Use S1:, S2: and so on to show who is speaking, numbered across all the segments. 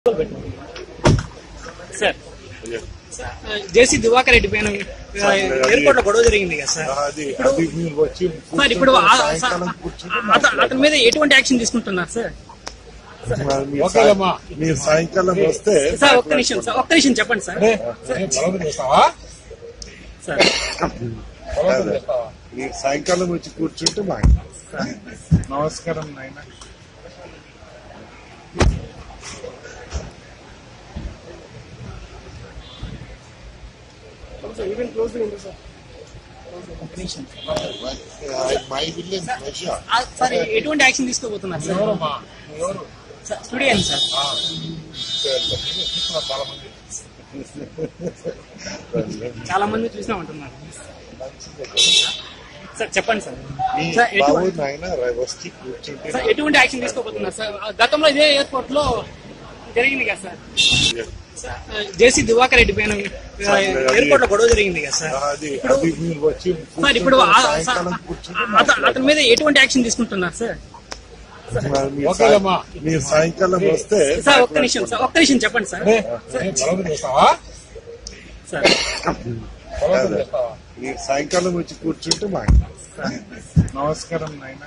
S1: Sir జేసీ దివాకర్ రెడ్డి పైన airport లో గొడవ జరిగింది కదా సార్. సార్ ఇప్పుడు అతని మీద ఎటువంటి యాక్షన్ తీసుకుంటున్నారు సార్?
S2: మీరు సాయంకాలం వస్తే
S1: సార్ ఒక్క నిమిషం చెప్పండి సార్. సార్
S2: మీరు సాయంకాలం వచ్చి కూర్చుంటే మాకు నమస్కారం నాయన.
S1: సార్ ఎటువంటి యాక్షన్ తీసుకోబోతున్నారు సార్? స్టూడియన్ సార్. చాలా మంది చూసినామంటున్నారు సార్. చెప్పండి సార్. సార్ ఎటువంటి యాక్షన్ తీసుకోబోతున్నారు సార్? గతంలో ఇదే ఎయిర్పోర్ట్ లో జరిగింది కదా సార్. జేసీ దివాకర్ రెడ్డి పైన ఎయిర్పోర్ట్ లో గొడవ జరిగింది కదా సార్. సార్ ఇప్పుడు అతని మీద ఎటువంటి యాక్షన్ తీసుకుంటున్నారు సార్?
S2: మీరు సాయంకాలం వస్తే
S1: సార్ ఒక్క నిమిషం చెప్పండి సార్. సార్
S2: మీరు సాయంకాలం వచ్చి కూర్చుంటే మాకు నమస్కారం నాయన.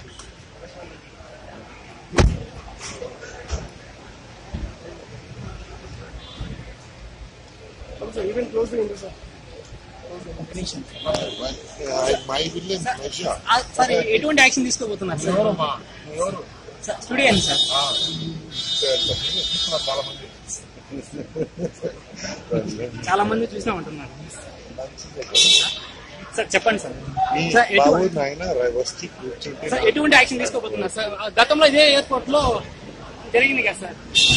S1: సార్ ఎటువంటి యాక్షన్ తీసుకోబోతున్నారు సార్? స్టూడియన్ సార్. చాలా మంది చూసినామంటున్నారు సార్. చెప్పండి సార్. సార్ ఎటువంటి యాక్షన్ తీసుకోబోతున్నారు సార్? గతంలో ఇదే ఎయిర్పోర్ట్ లో జరిగింది కదా సార్.